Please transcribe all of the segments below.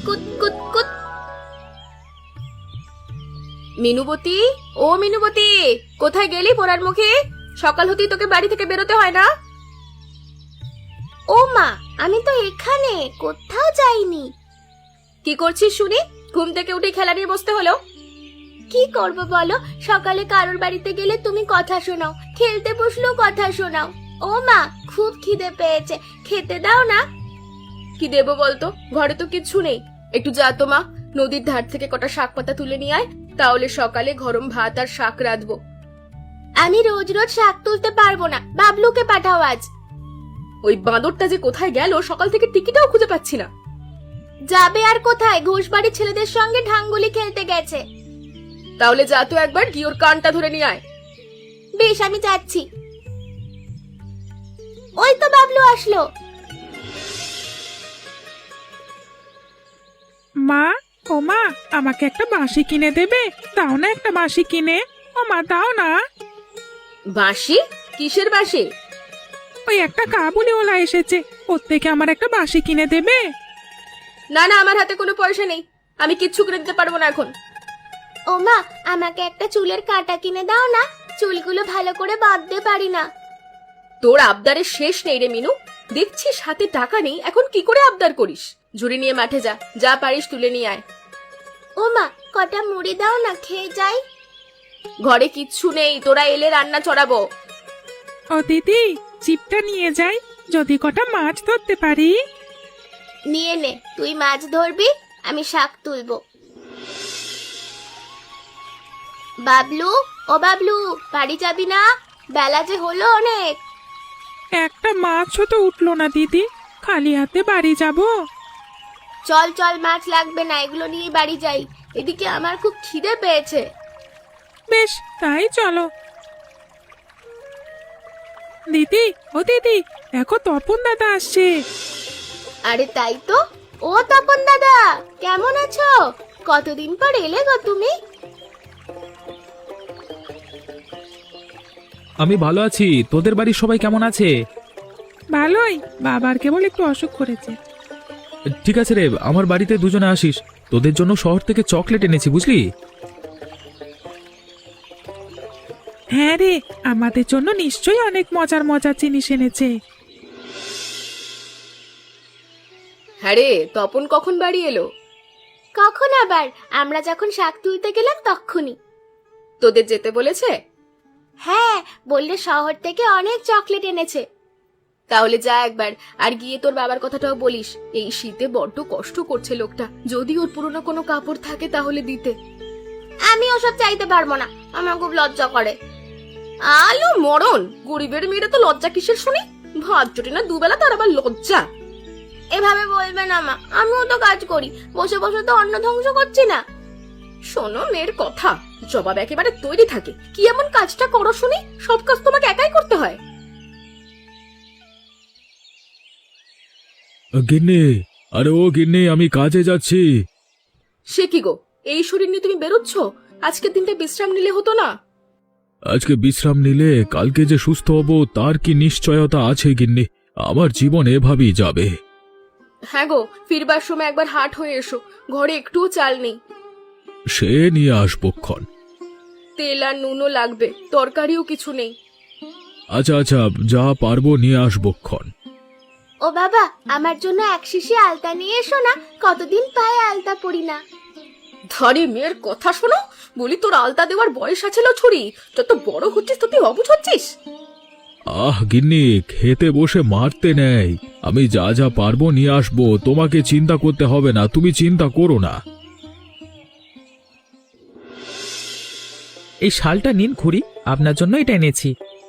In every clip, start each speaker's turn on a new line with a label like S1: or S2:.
S1: কুত কুত কুত। মিনুবতী, ও মিনুবতী, কোথায় গেলি পোড়ার মুখে? সকাল হতেই তোকে বাড়ি থেকে বেরোতে হয় না?
S2: ও মা, আমি তো এখানে, কোথাও যাইনি।
S1: কি করছিস শুনি? ঘুম থেকে উঠে খেলা নিয়ে বসতে হলো?
S2: কি করব বলো, সকালে কারোর বাড়িতে গেলে তুমি কথা শোনাও, খেলতে বসলেও কথা শোনাও। ও মা, খুব খিদে পেয়েছে, খেতে দাও না।
S1: কি দেবো বলতো, ঘরে তো কিচ্ছু নেই। একটু যা তো মা, নদীর ধার থেকে কটা শাক পাতা তুলে নিয়ে আয়, তাহলে সকালে গরম ভাত আর শাক রাঁধবো।
S2: আমি রোজ রোজ শাক তুলতে পারবো না, বাবলুকে পাঠাও আজ।
S1: ওই বাঁদরটা যে কোথায় গেল, সকাল থেকে টিকিটাও খুঁজে পাচ্ছি না।
S2: যাবে আর কোথায়, ঘোষবাড়ির ছেলেদের সঙ্গে ঢাঙ্গুলি খেলতে গেছে।
S1: তাহলে যা তো একবার গিয়ে ওর কানটা ধরে নিয়ে আয়।
S2: বেশ, আমি যাচ্ছি। ওই তো বাবলু আসলো।
S3: মা, ও মা, আমাকে একটা বাঁশি কিনে দেবে? দাও না একটা বাঁশি কিনে। ও মা, দাও না।
S1: বাঁশি? কিসের বাঁশি?
S3: ওই একটা কাবুলিওয়ালা এসেছে, ওর থেকে আমার একটা বাঁশি কিনে দেবে?
S1: না না, আমার হাতে কোনো পয়সা নেই, আমি কিচ্ছু করে দিতে পারবো না এখন।
S2: ও মা, আমাকে একটা চুলের কাঁটা কিনে দাও না, চুলগুলো ভালো করে বাঁধতে পারি না।
S1: তোর আবদারের শেষ নেই রে মিনু, দেখছিস হাতে টাকা নেই, এখন কি করে আবদার করিস? ঝুড়ি নিয়ে মাঠে যা, যা পারিস তুলে নিয়ে আয়।
S2: ও মা, কটা মুড়ি দাও না, খেয়ে যাই।
S1: ঘরে কিচ্ছু নেই, তোরা এলে রান্না চড়াবো।
S3: ও দিদি, চিপটা নিয়ে যাই, যদি কটা মাছ ধরতে পারি।
S2: নিয়ে নে, তুই মাছ ধরবি, আমি শাক তুলবো। বাবলু, ও বাবলু, বাড়ি যাবি না? বেলা যে হলো অনেক।
S3: একটা মাছও তো উঠলো না দিদি, খালি হাতে বাড়ি যাব?
S2: চল চল, মাছ লাগবে না, এগুলো নিয়ে বাড়ি যাই। এদিকে আমার খুব খিদে পেয়েছে।
S3: বেশ, তাই চলো। দিদি, ও দিদি, দেখো তপন দাদা আসছে।
S2: আরে তাই তো। ও তপন দাদা, কেমন আছো? কতদিন পর এলে গো তুমি।
S4: আমি ভালো আছি, তোদের বাড়ির সবাই কেমন আছে?
S3: ভালোই, বাবার কেবল একটু অসুখ করেছে।
S4: ঠিক আছে রে, আমার বাড়িতে দুজনে আসিস, তোদের জন্য শহর থেকে চকলেট এনেছি, বুঝলি?
S3: হ্যাঁ রে, আমাদের জন্য নিশ্চয়ই অনেক মজার মজার জিনিস এনেছে।
S1: হ্যাঁ রে, তপন কখন বাড়ি এলো?
S2: কখন আবার? আমরা যখন শাক তুলতে গেলাম তখনই।
S1: তোদের যেতে বলেছে?
S2: হ্যাঁ, বললে শহর থেকে অনেক চকলেট এনেছে।
S1: তাহলে যা একবার, আর গিয়ে তোর বাবার কথাটাও বলিস, এই শীতে বড্ড কষ্ট করছে লোকটা, যদি ওর পুরনো কোনো কাপড় থাকে তাহলে দিতে।
S2: আমি ওসব চাইতে পারবো না, আমার খুব লজ্জা করে।
S1: আলো মরণ, গরিবের মেয়েরা তো লজ্জা কিসের শুনি? ভাত জোটে না দুবেলা, তার আবার লজ্জা?
S2: এভাবে বলবে না মা, আমিও তো কাজ করি, বসে বসে তো অন্ন ধ্বংস করছি না।
S1: শোনো মেয়ের কথা, জবাব একেবারে তৈরি থাকে। কি এমন কাজটা করো শুনি, সব কাজ তোমাকে একাই করতে হয়?
S4: গিন্নি, আরে ও গিন্নি, আমি কাজে যাচ্ছি।
S1: সে কি গো, এই শরীর নিয়ে তুমি বেরোচ্ছ? আজকের দিনটা বিশ্রাম নিলে হতো না?
S4: আজকে বিশ্রাম নিলে কালকে যে সুস্থ হব তার কি নিশ্চয়তা আছে গিন্নি? আমার জীবন এভাবেই যাবে।
S1: হ্যাঁ গো, ফিরবার সময় একবার হাট হয়ে এসো, ঘরে একটুও চাল নেই।
S4: সে নিয়ে আসবক্ষণ।
S1: তেল আর নুনও লাগবে, তরকারিও কিছু নেই।
S4: আচ্ছা আচ্ছা, যা পারবো নিয়ে আসবক্ষণ।
S2: ও বাবা, আমার জন্য এক শিশি আলতা নিয়ে এসো না, কতদিন পায়ে আলতা পরি না।
S1: ধরে মেয়ের কথা শোনো, বলি তোর আলতা দেওয়ার বয়স আছে লো ছুরি, যত বড় হচ্ছিস তত অবুঝ হচ্ছিস।
S4: আহ গিন্নি, খেতে বসে মারতে নেই, আমি যা যা পারবো নিয়ে আসবো, তোমাকে চিন্তা করতে হবে না, তুমি চিন্তা করো না।
S5: এই শালটা নিন খুড়ি, আপনার জন্য এটা এনেছি।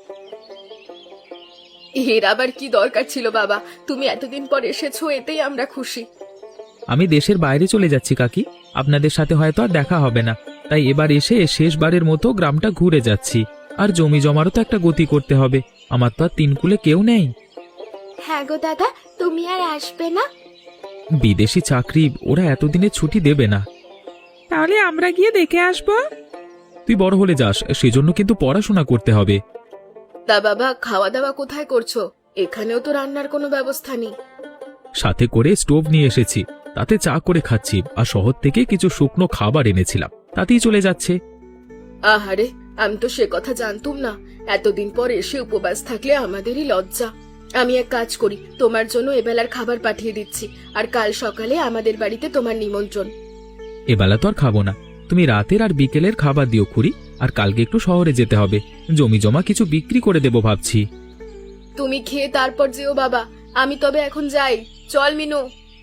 S1: এর আবার কি দরকার ছিল বাবা, তুমি এতদিন পর এসেছো, এতেই আমরা খুশি।
S5: আমি দেশের বাইরে চলে যাচ্ছি কাকি, আপনাদের সাথে হয়তো আর দেখা হবে না, তাই এবার এসে শেষবারের মতো গ্রামটা ঘুরে যাচ্ছি। আর জমি জমারও তো একটা গতি করতে হবে, আমার তো আর তিনকুলে কেউ নেই।
S2: হ্যাঁ গো দাদা, তুমি আর আসবে না?
S5: বিদেশি চাকরি, ওরা এতদিনে ছুটি দেবে না।
S3: তাহলে আমরা গিয়ে দেখে আসবো।
S5: তুই বড় হলে যাস, সেজন্য কিন্তু পড়াশোনা করতে হবে।
S1: তা বাবা, খাওয়া দাওয়া কোথায় করছো? এখানেও তো রান্নার কোনো ব্যবস্থা নেই।
S5: সাথে করে স্টোভ নিয়ে এসেছি, তাতে চা করে খাচ্ছি, আর শহর থেকে কিছু শুকনো খাবার এনেছিলাম, তাতেই চলে যাচ্ছে।
S1: আহারে, আমি তো সে কথা জানতুম না। এতদিন পর এসে উপবাস থাকলে আমাদেরই লজ্জা। আমি এক কাজ করি, তোমার জন্য এবেলার খাবার পাঠিয়ে দিচ্ছি, আর কাল সকালে আমাদের বাড়িতে তোমার নিমন্ত্রণ।
S5: এবেলা তো আর খাবো না, তুমি রাতের আর বিকেলের খাবার দিও খুড়ি। আর কালকে একটু শহরে যেতে হবে, জমি জমা কিছু বিক্রি করে দেবো ভাবছি।
S1: তুমি খেয়ে তারপর যেও বাবা, আমি তবে এখন যাই। চল মিনু।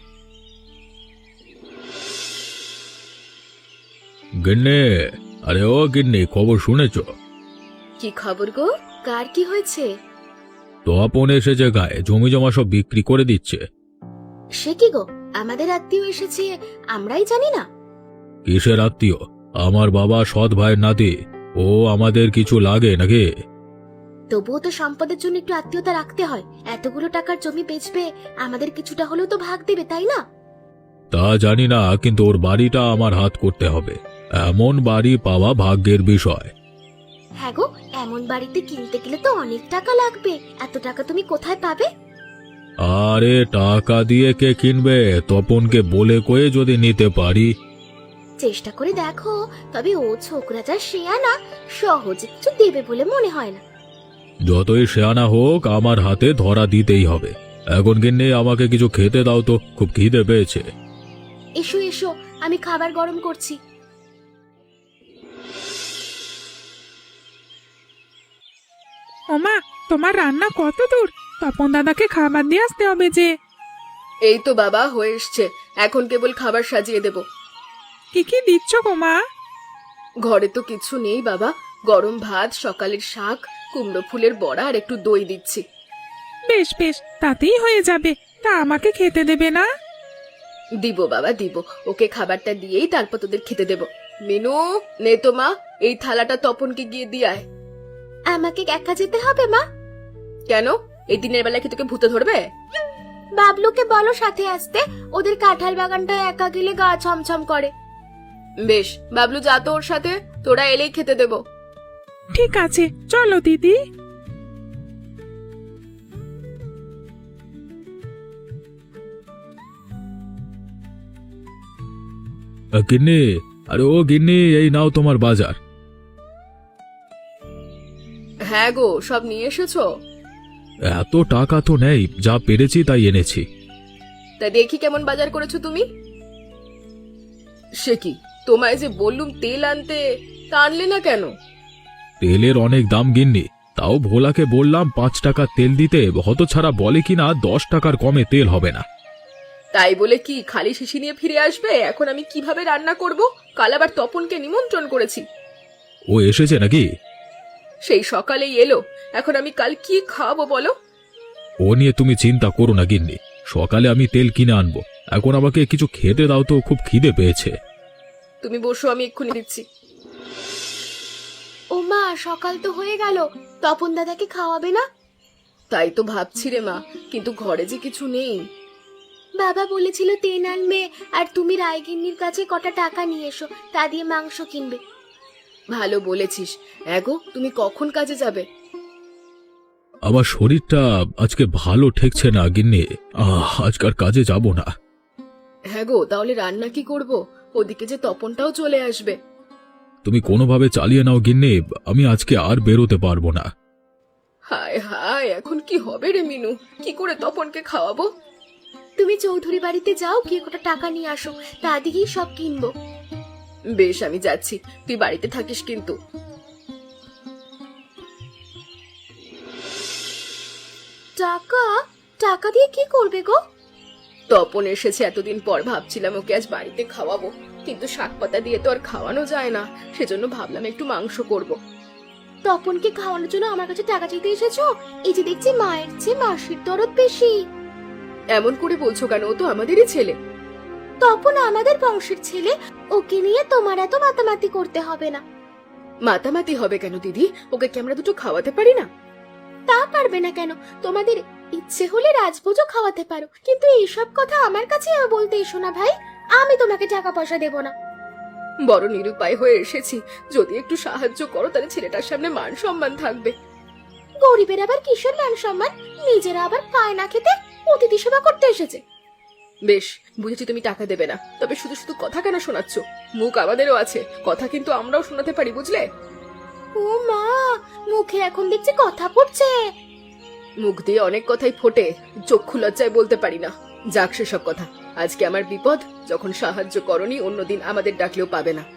S4: গিন্নি, আরে ও গিন্নি, খবর শুনেছ?
S1: কি খবর গো? কার কি হয়েছে?
S4: তপন এসেছে গায়ে, জমি জমা সব বিক্রি করে দিচ্ছে।
S2: সে কি গো, আমাদের আত্মীয় এসেছে, আমরাই জানি না?
S4: কিসের আত্মীয়? আমার বাবা সৎ ভাইয়ের নাতি, ও আমাদের কিছু লাগে নাকি?
S2: তবুও তো সম্পদের জন্য একটু আত্মীয়তা রাখতে হয়। এতগুলো টাকার জমি বেচবে, আমাদের কিছুটা হলেও তো ভাগ দেবে, তাই না?
S4: তা জানি না, কিন্তু ওর বাড়িটা আমার হাত করতে হবে। এমন বাড়ি পাওয়া ভাগ্যের বিষয়।
S2: হ্যাঁ গো, এমন বাড়িতে কিনতে গেলে তো অনেক টাকা লাগবে। এত টাকা তুমি কোথায় পাবে?
S4: আরে টাকা দিয়ে কে কিনবে? তপনকে বলে কয়ে যদি নিতে পারি।
S2: চেষ্টা করে দেখো, তবে ও ছোকরা যা শেয়ানা, সহজে কিছু দেবে বলে মনে হয় না।
S4: যতই শেয়ানা হোক, আমার হাতে ধরা দিতেই হবে। এখন গিন্নি, আমাকে কিছু খেতে দাও তো, খুব খিদে পেয়েছে।
S2: এসো এসো, আমি খাবার গরম করছি।
S3: ওমা, তোমার রান্না কত দূর? তপন দাদাকে খাবার দিয়ে আসতে হবে যে।
S1: এই তো বাবা হয়ে এসছে, এখন কেবল খাবার সাজিয়ে দেব।
S3: কি কি দিচ্ছ গো মা?
S1: ঘরে তো কিছু নেই বাবা, গরম ভাত, সকালের শাক, কুমড়ো ফুলের বড়া আর একটু দই দিচ্ছি।
S3: বেশ বেশ, তাতেই হয়ে যাবে। তা আমাকে খেতে দেবে না?
S1: দিব বাবা দিব, ওকে খাবারটা দিয়েই তারপর তোদের খেতে দেব। মিনু, নে তো মা, এই থালাটা তপনকে গিয়ে দিয়ে আয়।
S2: আমাকে একা যেতে হবে মা?
S1: কেন, এই দিনের বেলা কি তোকে ভূতে ধরবে?
S2: বাবলুকে বলো সাথে আসতে, ওদের কাঁঠাল বাগানটা একা গেলে গা ছমছম করে।
S1: বেশ, বাবলু যা তো ওর সাথে, তোরা এলেই খেতে দেব।
S3: ঠিক আছে, চলো দিদি।
S4: গিন্নি, আরে ও গিন্নি, এই নাও তোমার বাজার।
S1: হ্যাঁ গো, সব নিয়ে এসেছো?
S4: এত টাকা তো নেই, যা পেরেছি তাই এনেছি।
S1: তা দেখি কেমন বাজার করেছো তুমি। সে কি, তোমায় যে বললুম তেল আনতে, তা আনলে না কেন?
S4: তেলের অনেক দাম গিন্নি, তাও ভোলাকে বললাম 5 টাকা তেল দিতে, হতছাড়া বলে কিনা 10 টাকার কমে তেল হবে না।
S1: তাই বলে কি খালি শিশি নিয়ে ফিরে আসবে? এখন আমি কিভাবে রান্না করব? কাল আবার তপনকে নিমন্ত্রণ করেছি।
S4: ও এসেছে নাকি?
S1: সেই সকালেই এলো, এখন আমি কাল কি খাওয়াবো বলো?
S4: ও নিয়ে তুমি চিন্তা করো না গিন্নি, সকালে আমি তেল কিনে আনবো। এখন আমাকে কিছু খেতে দাও তো, খুব খিদে পেয়েছে।
S1: তুমি বসো, আমি এক্ষুনি দিচ্ছি।
S2: ও মা, সকাল তো হয়ে গেল, তপন দাদাকে খাওয়াবে না?
S1: তাই তো ভাবছি রে মা, কিন্তু ঘরে যে কিছু নেই।
S2: বাবা বলেছিল তেল আনবে, আর তুমি রায়গিন্নির কাছে কটা টাকা নিয়ে এসো, তা দিয়ে মাংস কিনবে।
S1: ভালো বলেছিস। এগো, তুমি কখন কাজে যাবে?
S4: আমার শরীরটা আজকে ভালো ঠেকছে না গিন্নি, আজকার কাজে যাব না।
S1: হ্যাঁ গো, তাহলে রান্না কি করব? ওদিকে যে তপনটাও চলে আসবে।
S4: তুমি কোনোভাবে চালিয়ে নাও গিন্নি, আমি আজকে আর বেরোতে পারবো না।
S1: হায় হায়, এখন কি হবে রে মিনু? কি করে তপনকে খাওয়াবো?
S2: তুমি চৌধুরী বাড়িতে যাও, গিয়ে কটা টাকা নিয়ে আসো, তা দিয়েই সব কিনবো।
S1: বেশ, আমি যাচ্ছি, তুই বাড়িতে থাকিস কিন্তু।
S2: টাকা? টাকা দিয়ে কি করবে গো?
S1: তপন এসেছে এতদিন পর, ভাবছিলাম ওকে আজ বাড়িতে খাওয়াবো, কিন্তু শাক পাতা দিয়ে তো আর খাওয়ানো যায় না, সেজন্য ভাবলাম একটু মাংস করব।
S2: তপনকে খাওয়ানোর জন্য আমার কাছে টাকা চাইতে এসেছো? এই যে দেখছি মায়ের চেয়ে মাসির দরদ বেশি।
S1: এমন করে বলছো কেন? ও তো আমাদেরই ছেলে।
S2: তপন আমাদের বংশের ছেলে, ওকে নিয়ে তোমার এত মাতামাতি করতে হবে না।
S1: মাতামাতি হবে কেন দিদি? ওকে কি আমরা দুটো খাওয়াতে পারি না?
S2: তা পারবে না কেন? তোমাদের ইচ্ছে হলে রাজভোজও খাওয়াতে পারো, কিন্তু এইসব কথা আমার কাছে বলতে এসো না ভাই। আমি তোমাকে টাকা পয়সা দেব না।
S1: বড় নিরুপায় হয়ে এসেছি, যদি একটু সাহায্য করো তাহলে ছেলেটার সামনে মান সম্মান থাকবে।
S2: গরিবের আবার কিসের মান সম্মান? নিজেরা আবার পায় না খেতে অতিথি সেবা করতে এসেছে।
S1: বেশ, বুঝেছি তুমি টাকা দেবে না, তবে শুধু শুধু কথা কেন শোনাচ্ছ? মুখ আমাদেরও আছে, কথা কিন্তু আমরাও শোনাতে পারি, বুঝলে?
S2: ও মা, মুখে এখন দেখছি কথা পড়ছে।
S1: মুখ দিয়ে অনেক কথাই ফোটে, চক্ষু লজ্জায় বলতে পারি না। যাক সেসব কথা, আজকে আমার বিপদ, যখন সাহায্য করনি অন্যদিন আমাদের ডাকলেও পাবে না।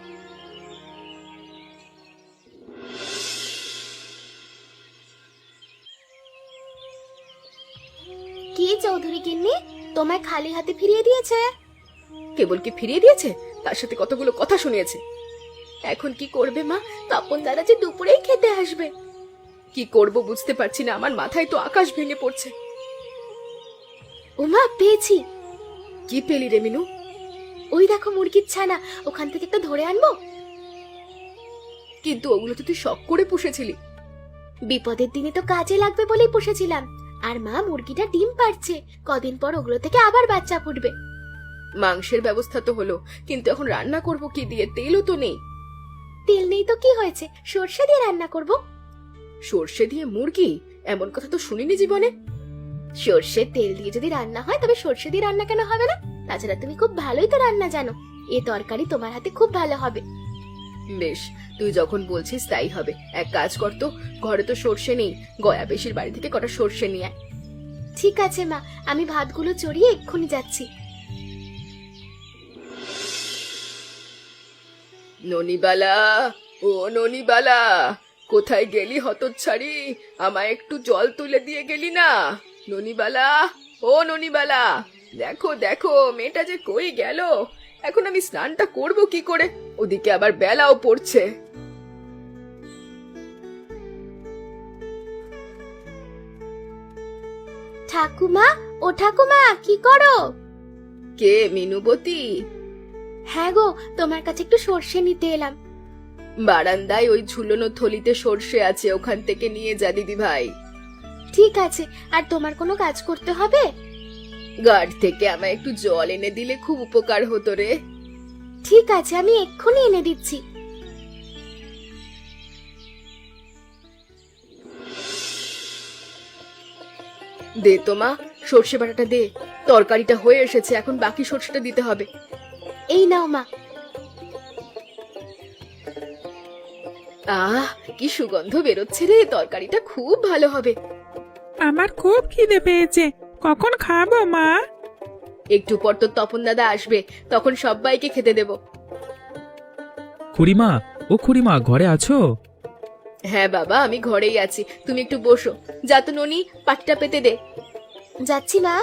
S2: কি চৌধুরী গিন্নি, তোমায় খালি হাতে ফিরিয়ে দিয়েছে?
S1: কেবল কি ফিরিয়ে দিয়েছে, তার সাথে কতগুলো কথা শুনিয়েছে।
S2: এখন কি করবে মা? তপন দাদা যে দুপুরেই খেতে আসবে।
S1: কি করব বুঝতে পারছি না, আমার মাথায় তো আকাশ ভেঙে পড়ছে।
S2: ও মা, পেয়েছি।
S1: কি পেলি রে মিনু?
S2: ওই দেখো মুরগির ছানা, ওখান থেকে একটা ধরে আনবো।
S1: কিন্তু ওগুলো তো তুই শখ করে পুষেছিলি।
S2: বিপদের দিনে তো কাজে লাগবে বলেই পুষেছিলাম। আর মা, মুরগিটা ডিম পাড়ছে, কদিন পর ওগুলো থেকে আবার বাচ্চা ফুটবে।
S1: মাংসের ব্যবস্থা তো হলো, কিন্তু এখন রান্না করব কি দিয়ে? তেলও তো নেই।
S2: তেল নেই তো কি হয়েছে, সর্ষে দিয়ে রান্না করব।
S1: সর্ষে দিয়ে মুরগি? এমন কথা তো শুনিনি জীবনে।
S2: সর্ষের তেল দিয়ে যদি রান্না হয়, তবে সর্ষে দিয়ে রান্না কেন হবে না? তাছাড়া তুমি খুব ভালোই তো রান্না জানো, এ তরকারি তোমার হাতে খুব ভালো হবে।
S1: বেশ, তুই যখন বলছিস তাই হবে। এক কাজ কর তো, ঘরে তো সর্ষে নেই, গয়া বেশির বাড়ি থেকে কটা সর্ষে নিয়ে আয়।
S2: ঠিক আছে মা, আমি ভাতগুলো চড়িয়ে এক্ষুনি যাচ্ছি।
S1: ননিবালা, ও ননিবালা, কোথায় গেলি হতচ্ছাড়ি? আমায় একটু জল তুলে দিয়ে গেলি না? ননিবালা, ও ননিবালা, দেখো দেখো মেয়েটা যে কই গেল। এখন আমি স্নানটা করব কি করে? ওদিকে আবার বেলাও পড়ছে।
S2: ঠাকুমা, ও ঠাকুমা, কি করো?
S1: কে মিনুবতী?
S2: হ্যাঁ গো, তোমার কাছে একটু সর্ষে নিতে এলাম।
S1: বারান্দায় ওই ঝুলনো থলিতে সর্ষে আছে, ওখান থেকে নিয়ে যা দিদি ভাই।
S2: ঠিক আছে, আর তোমার কোনো কাজ করতে হবে?
S1: গাড় থেকে আমায় একটু জল এনে দিলে খুব উপকার হতো রে।
S2: ঠিক আছে, আমি এক্ষুনি এনে দিচ্ছি।
S1: দে তো মা, সর্ষে বাটাটা দে। তরকারিটা হয়ে এসেছে, এখন বাকি সর্ষেটা দিতে হবে।
S2: এই নাও মা।
S1: আহ, কি সুগন্ধ বেরোচ্ছে রে, তরকারিটা খুব ভালো হবে।
S3: আমার খুব খিদে পেয়েছে, কখন খাবো মা?
S1: একটু পর তো তপন দাদা আসবে, তখন সবাইকে খেতে দেব।
S5: খুড়িমা, ও খুড়িমা, ঘরে আছো?
S1: হ্যাঁ বাবা, আমি ঘরেই আছি, তুমি একটু বসো। যা তো ননি, পাটিটা পেতে দে।
S2: যাচ্ছি মা।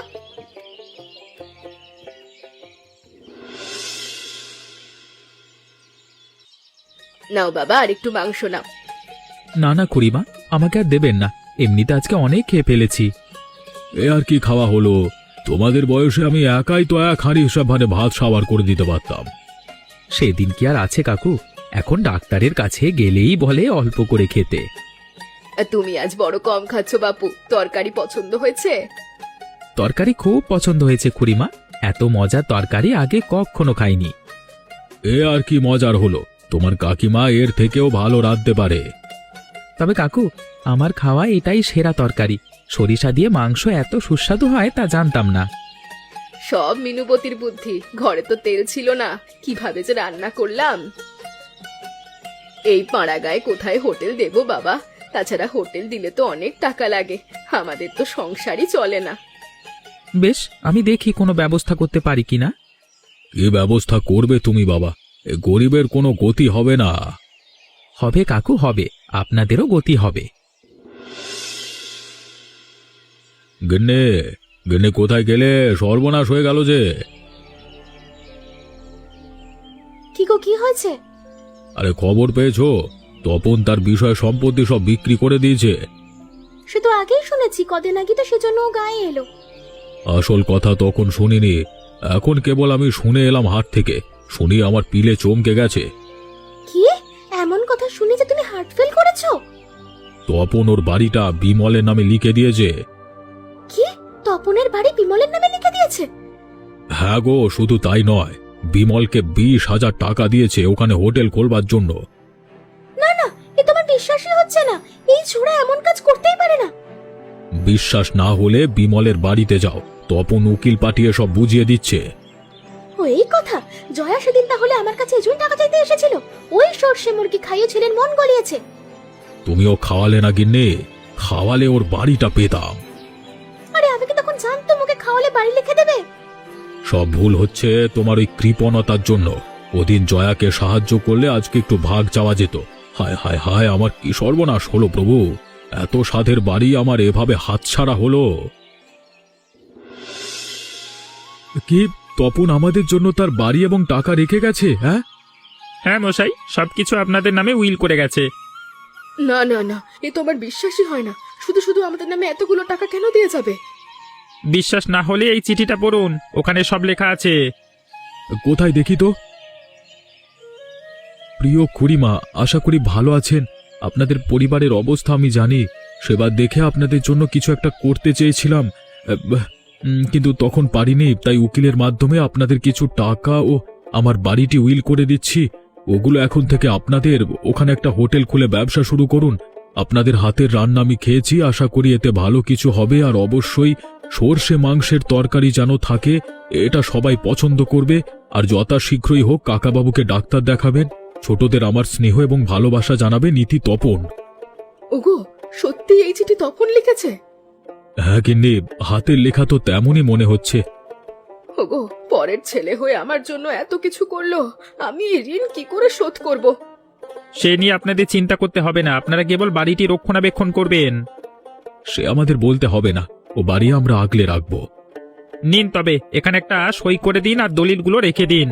S1: নাও বাবা, আর একটু মাংস নাও।
S5: না না খুড়িমা, আমাকে আর দেবেন না, এমনিতে আজকে অনেক খেয়ে ফেলেছি।
S4: এ আর কি খাওয়া হলো? তোমাদের বয়সে আমি একাই তো এক হাঁড়ি হিসাব ভারে ভাত সাবার করে দিতে পারতাম।
S5: সেদিন কি আর আছে কাকু, এখন ডাক্তারের কাছে গেলেই বলে অল্প করে খেতে।
S1: আর তুমি আজ বড় কম খাচ্ছ বাপু, তরকারি পছন্দ হয়েছে?
S5: তরকারি খুব পছন্দ হয়েছে খুড়িমা, এত মজার তরকারি আগে কখনো খাইনি।
S4: এ আর কি মজার হলো? তোমার কাকিমা এর থেকেও ভালো রাঁধতে পারে।
S5: তবে কাকু, আমার খাওয়া এটাই সেরা তরকারি। সরিষা দিয়ে মাংস এত সুস্বাদু হয় তা জানতাম না।
S1: সব মিনুবতীর বুদ্ধি, ঘরে তো তেল ছিল না, কিভাবে যে রান্না করলাম। এই পাড়া গায়ে কোথায় হোটেল দেবো বাবা? তাছাড়া হোটেল দিলে তো অনেক টাকা লাগে, আমাদের তো সংসারই চলে না।
S5: বেশ, আমি দেখি কোনো ব্যবস্থা করতে পারি কিনা।
S4: কি ব্যবস্থা করবে তুমি বাবা? এ গরিবের কোনো গতি হবে না।
S5: হবে কাকু, হবে, আপনাদেরও গতি হবে।
S4: গিন্নে, গিন্নে কোথায় গেলে? সর্বনাশ হয়ে গেল যে।
S2: কি গো, কি হয়েছে?
S4: আরে খবর পেয়েছো? তপন তার বিষয় সম্পত্তি সব বিক্রি করে দিয়েছে।
S2: সে তো আগেই শুনেছি, কদিন আগে তো সেজন্য ও গায়ে এলো।
S4: আসল কথা তখন শুনিনি, এখন কেবল আমি শুনে এলাম হাট থেকে। শুনি আমার পিলে চমকে গেছে।
S2: কি এমন কথা শুনে যে তুমি হার্ট ফেল করেছো?
S4: তপন ওর বাড়িটা বিমলের নামে লিখে দিয়েছে।
S2: কি, তপনের বাড়ি বিমলের নামে লিখে দিয়েছে?
S4: হ্যাঁ গো, শুধু তাই নয়, বিমলকে 20,000 টাকা দিয়েছে ওখানে হোটেল খোলবার জন্য।
S2: না না, এ তোমার বিশ্বাসই হচ্ছে না, এই ছোড়া এমন কাজ করতেই পারে না।
S4: বিশ্বাস না হলে বিমলের বাড়িতে যাও, তপন উকিল পাঠিয়ে সব বুঝিয়ে দিচ্ছে।
S2: ও এই কথা, জয়া সেদিন তাহলে আমার কাছে এজন্য টাকা চাইতে এসেছিল। ওই সর্ষে মুরগি খাইয়ে ছেলের মন গলিয়েছে।
S4: তুমিও খাওয়ালে না গিন্নি, খাওয়ালে ওর বাড়িটা পেতাম।
S2: আরে আমি কি তখন জানতাম ওকে খাওয়ালে বাড়ি লিখে দেবে?
S4: সব ভুল হচ্ছে তোমার ওই কৃপণতার জন্য। ওদিন জয়াকে সাহায্য করলে আজকে একটু ভাগ চাওয়া যেত। হায় হায় হায়, আমার কি সর্বনাশ হলো প্রভু! এত সাধের বাড়ি আমার এভাবে হাতছাড়া হলো। কি তপন আমাদের জন্য তার বাড়ি এবং টাকা রেখে গেছে? হ্যাঁ
S5: হ্যাঁ মশাই, সবকিছু আপনাদের নামে উইল করে গেছে।
S1: না না না, এ তো আমার বিশ্বাসই হয় না। শুধু শুধু আমাদের নামে এতগুলো টাকা কেন দিয়ে যাবে?
S5: বিশ্বাস না হলে এই চিঠিটা পড়ুন, ওখানে সব লেখা আছে।
S4: কোথায় দেখি তো। প্রিয় খুড়িমা, আশা করি ভালো আছেন। আপনাদের পরিবারের অবস্থা আমি জানি। সেবার দেখে আপনাদের জন্য কিছু একটা করতে চেয়েছিলাম, কিন্তু তখন পারিনি। তাই উকিলের মাধ্যমে আপনাদের কিছু টাকা ও আমার বাড়িটি উইল করে দিচ্ছি। ওগুলো এখন থেকে আপনাদের। ওখানে একটা হোটেল খুলে ব্যবসা শুরু করুন। আপনাদের হাতের রান্না আমি খেয়েছি, আশা করি এতে ভালো কিছু হবে। আর অবশ্যই সর্ষে মাংসের তরকারি যেন থাকে, এটা সবাই পছন্দ করবে। আর যথাশীঘ্রই হোক কাকাবাবুকে ডাক্তার দেখাবেন। ছোটদের আমার স্নেহ এবং ভালোবাসা জানাবে, নীতি তপন।
S1: ওগো, সত্যি এই চিঠি তপন লিখেছে?
S4: হ্যাঁ গিন্নি, হাতের লেখা তো তেমনই মনে হচ্ছে।
S1: ওগো, পরের ছেলে হয়ে আমার জন্য এত কিছু করলো, আমি এই ঋণ কি করে শোধ করব?
S5: সে নিয়ে আপনাদের চিন্তা করতে হবে না, আপনারা কেবল বাড়িটি রক্ষণাবেক্ষণ করবেন।
S4: সে আমাদের বলতে হবে না, ও বাড়ি আমরা আগলে রাখবো।
S5: নিন তবে এখানে একটা সই করে দিন আর দলিলগুলো রেখে দিন।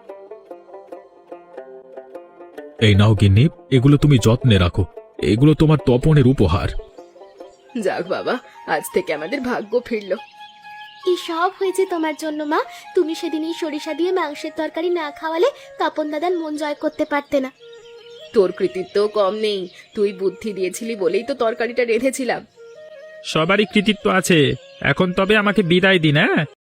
S4: এই নাও গিন্নি, এগুলো তুমি যত্নে রাখো। এগুলো তোমার তপনের উপহার।
S1: যাক বাবা, আজ থেকে আমাদের ভাগ্য ফিরলো।
S2: এই সব হয়েছে তোমার জন্য মা। তুমি সেদিন এই সরিষা দিয়ে মাংসের তরকারি না খাওয়ালে তপন দাদার মন জয় করতে পারতে না।
S1: তোর কৃতিত্ব কম নেই। তুই বুদ্ধি দিয়েছিলি বলেই তো তরকারিটা রেঁধেছিলাম।
S5: সবারই কৃতিত্ব আছে। এখন তবে আমাকে বিদায় দিন। হ্যাঁ।